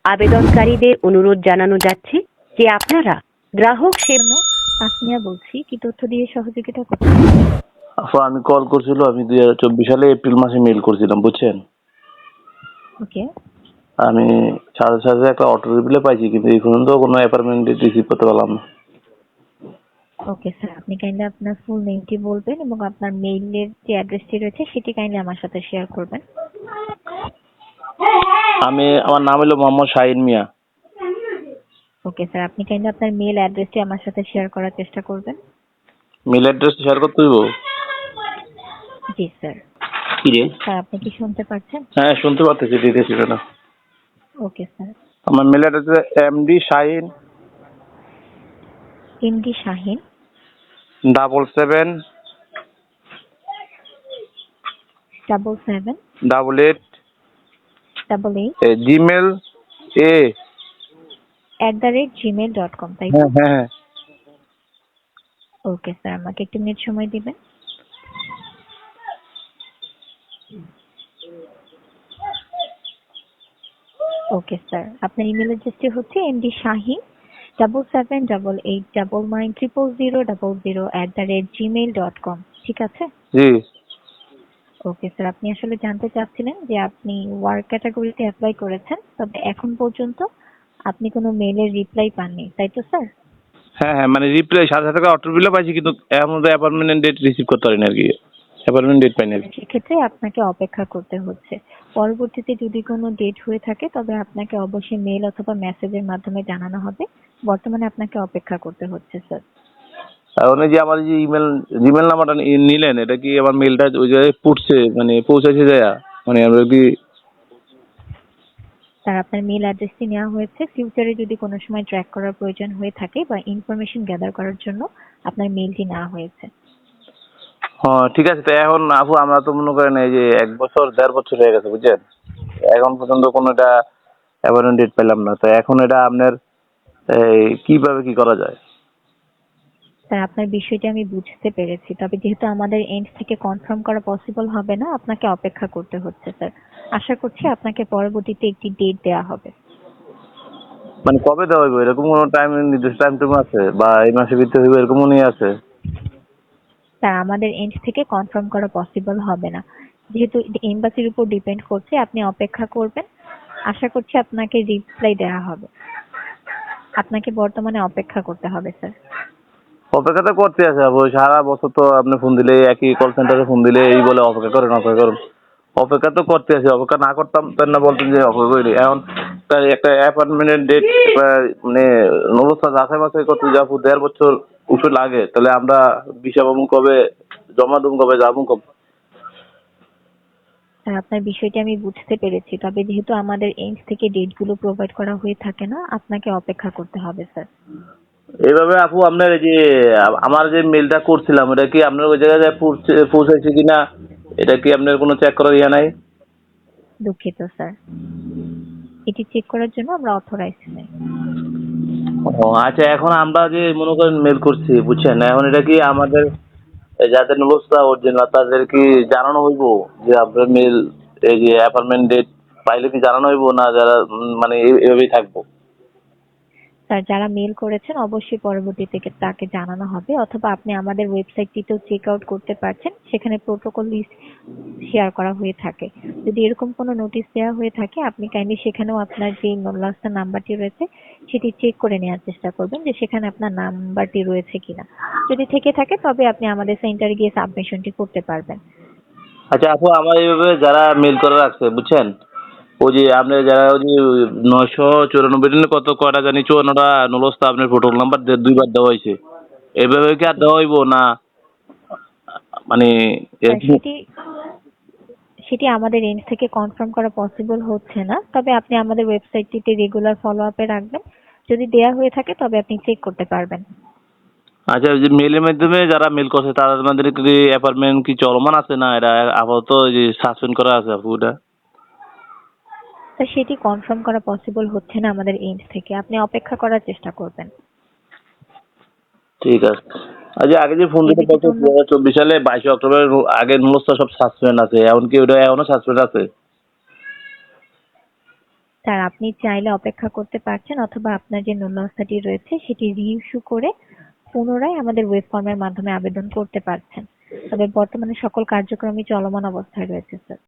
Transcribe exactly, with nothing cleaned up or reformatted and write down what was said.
আবেদনকারীদের অনুরোধ জানানো যাচ্ছে যে আপনারা গ্রাহক সেবা। তাসমিয়া বলছি, কি তথ্য দিয়ে সহযোগিতা করতে? আপু আমি কল করছিল, আমি দুই হাজার চব্বিশ সালে এপ্রিল মাসে মেল করছিলাম, বুঝছেন। ওকে আমি সাড়ে সাথে একটা অটো রিপ্লে পাইছি, কিন্তু এই পর্যন্ত কোনো অ্যাপার্টমেন্ট রিসিভ করতে পারলাম না। ওকে স্যার, আপনি কাইন্ডলি আপনার ফুল নেমটি বলবেন এবং আপনার মেইলের যে অ্যাড্রেসটি রয়েছে সেটি কাইন্ডলি আমার সাথে শেয়ার করবেন। আমি আমার নাম হলো মোহাম্মদ শাহিন মিয়া। ওকে স্যার, আপনি কাইন্ডলি আপনার মেল অ্যাড্রেসটি আমার সাথে শেয়ার করার চেষ্টা করবেন। মেল অ্যাড্রেস শেয়ার করতে হইব? জি স্যার। কি রে? স্যার আপনি কি শুনতে পাচ্ছেন? হ্যাঁ শুনতে পাচ্ছি, দিতেছি না। Okay sir. আমার mail address MD Shahin MD Shahin double seven double seven double eight double eight Gmail a at the rate Gmail dot com, তাই তো? হ্যাঁ হ্যাঁ। ওকে স্যার, আমাকে একটু মিনিট সময় দিবেন। ওকে স্যার, আপনার ইমেল অ্যাড্রেসটি হচ্ছে MD Shahin double seven double eight double nine triple zero double zero at the rate Gmail dot com, ঠিক আছে? জি। ওকে স্যার, আপনি আসলে জানতে চাচ্ছিলেন যে আপনি ওয়ার্ক ক্যাটাগরিতে অ্যাপ্লাই করেছেন, তবে এখন পর্যন্ত আপনি কোনো মেইলের রিপ্লাই পাননি, তাই তো স্যার? হ্যাঁ হ্যাঁ, মানে রিপ্লাই সাথে সাথে অটো রিপ্লাই পাইছি, কিন্তু এর মধ্যে অ্যাপয়েন্টমেন্ট ডেট রিসিভ করতে পারিনি আর কি। অ্যাপয়েন্টমেন্ট ডেট পাইনি আর কি। সেক্ষেত্রে আপনাকে অপেক্ষা করতে হচ্ছে। পরবর্তীতে যদি কোনো ডেট হয়ে থাকে তবে আপনাকে অবশ্যই মেল অথবা মেসেজের মাধ্যমে জানানো হবে। বর্তমানে আপনাকে অপেক্ষা করতে হচ্ছে স্যার। এখন এই যে আমার যে ইমেল জিমেল নাম্বারটা নিলেন, এটা কি আমার মেলটা ওই জায়গায় পড়ছে, মানে পৌঁছেছে যায়, মানে আমরা কি? স্যার আপনার মেল অ্যাড্রেসটি নেওয়া হয়েছে। ফিউচারে যদি কোনো সময় ট্র্যাক করার প্রয়োজন হয়ে থাকে বা ইনফরমেশন গ্যাদার করার জন্য আপনার মেলটি নেওয়া হয়েছে। হ্যাঁ ঠিক আছে। তো এখন আপু আমরা তো মনে করেন এই যে এক বছর দেড় বছর হয়ে গেছে, বুঝছেন, এখন পর্যন্ত কোনো এটা অ্যাপয়েন্টমেন্ট ডেট পেলাম না। তো এখন এটা আপনার এই কিভাবে কি করা যায়? স্যার আপনার বিষয়টি আমি বুঝতে পেরেছি, তবে যেহেতু আমাদের এন্ড থেকে কনফার্ম করা পসিবল হবে না, আপনাকে অপেক্ষা করতে হচ্ছে স্যার। আশা করছি আপনাকে পরবর্তীতে একটি ডেট দেওয়া হবে। মানে কবে দেওয়া হইব, এরকম কোনো টাইম নির্দিষ্ট টাইম টুম আছে, বা এই মাসের ভিতরে হইব এরকম মনে আছে? স্যার আমাদের এন্ড থেকে কনফার্ম করা পসিবল হবে না, যেহেতু এমবাসির উপর ডিপেন্ড করছে। আপনি অপেক্ষা করবেন, আশা করছি আপনাকে রিপ্লাই দেওয়া হবে। আপনাকে বর্তমানে অপেক্ষা করতে হবে স্যার। অপেক্ষা তো করতে আছে আপু, সারা বছর তো আপনি ফোন দিলে একই কল সেন্টারে ফোন দিলে এই বলে অপেক্ষা করেন অপেক্ষা করেন। অপেক্ষা তো করতে আছে, অপেক্ষা না করতাম তাই না বলতেন যে অপেক্ষা করি। এখন তাই একটা অ্যাপয়েন্টমেন্টের ডেট মানে অবস্থা যাচাই বাছাই করতে যে আপু দেড় বছর উঠে লাগে, তাহলে আমরা ভিসা পাবো কবে, জমা দেবো কবে, যাবো কবে? স্যার আপনার বিষয়টি আমি বুঝতে পেরেছি, তবে যেহেতু আমাদের এন্ড থেকে ডেটগুলো প্রোভাইড করা হয়ে থাকে না, আপনাকে অপেক্ষা করতে হবে স্যার। এইভাবে আপু আপনার এই যে আমার যে মেলটা করছিলাম, এটা কি আপনার ওই জায়গায় পৌঁছে- পৌঁছাইছে কিনা, এটা কি আপনার কোনো চেক করার ইয়া নাই? দুঃখিত স্যার, এটি চেক করার জন্য আমরা অথরাইজড নই। ও আচ্ছা, এখন আমরা যে মনে করেন মেল করছি, বুঝছেন, এখন এটা কি আমাদের যাদের অবস্থা অরিজিনাল তাদের কি জানানো হইব যে আপনার মেল এই যে অ্যাপয়েন্টমেন্ট ডেট পাইলে কি জানানো হইব, না যারা উম, মানে এই- এইভাবেই থাকবো? স্যার যারা মেল করেছেন অবশ্যই পরবর্তীতে তাকে জানানো হবে, অথবা আপনি আমাদের ওয়েবসাইটটিতেও চেক আউট করতে পারছেন, সেখানে প্রোটোকল লিস্ট শেয়ার করা হয়ে থাকে। যদি এরকম কোনো নোটিশ দেওয়া হয়ে থাকে আপনি কাইন্ডলি সেখানেও আপনার যে লাস্ট নাম্বারটি রয়েছে সেটি চেক করে নেওয়ার চেষ্টা করবেন যে সেখানে আপনার নাম্বারটি রয়েছে কিনা। যদি থেকে থাকে তবে আপনি আমাদের সেন্টারে গিয়ে সাবমিশনটি করতে পারবেন। আচ্ছা আপু, আমার এইভাবে যারা মেল করে রাখছে, বুঝছেন, ওই যে আপনার যারা ওই যে নয়শো চুরানব্বই দিনে কত কয়টা জানি চুয়ান্নটা নলস্তা আপনার প্রোটোকল নাম্বার দুইবার দেওয়া হয়েছে, এইভাবে কি আর দেওয়া হইব না মানে স্যার এরকম? সেটি সেটি আমাদের এন্ড থেকে কনফার্ম করা পসিবল হচ্ছে না, তবে আপনি আমাদের ওয়েবসাইটটিতে রেগুলার ফলো আপে রাখবেন। যদি দেয়া হয়ে থাকে তবে আপনি চেক করতে পারবেন। আচ্ছা, ওই যে মেলের মাধ্যমে যারা মেল করছে তাদের মধ্যে কি অ্যাপার্টমেন্ট কি চলমান আছে, না এটা আপাতত ওই যে সাসপেন্ড করা আছে আপু ওটা? স্যার সেটি কনফার্ম করা পসিবল হচ্ছে না আমাদের এন্ড থেকে, আপনি অপেক্ষা করার চেষ্টা করবেন। ঠিক আছে। আচ্ছা, আগে যে ফোন এই দিতে ব্যতীত বলতো অন্য দু হাজার চব্বিশ সালে বাইশে অক্টোবর আগে নুলস্তা সব সাসপেন্ড আছে, এখন কি ওটা এখনো সাসপেন্ড আছে? স্যার আপনি চাইলে অপেক্ষা করতে পারছেন অথবা আপনার যে নুন্যস্থাটি রয়েছে সেটি রিইস্যু করে পুনরায় আমাদের ওয়েব ফর্মের মাধ্যমে আবেদন করতে পারছেন। তবে বর্তমানে সকল কার্যক্রমই চলমান অবস্থায় রয়েছে স্যার।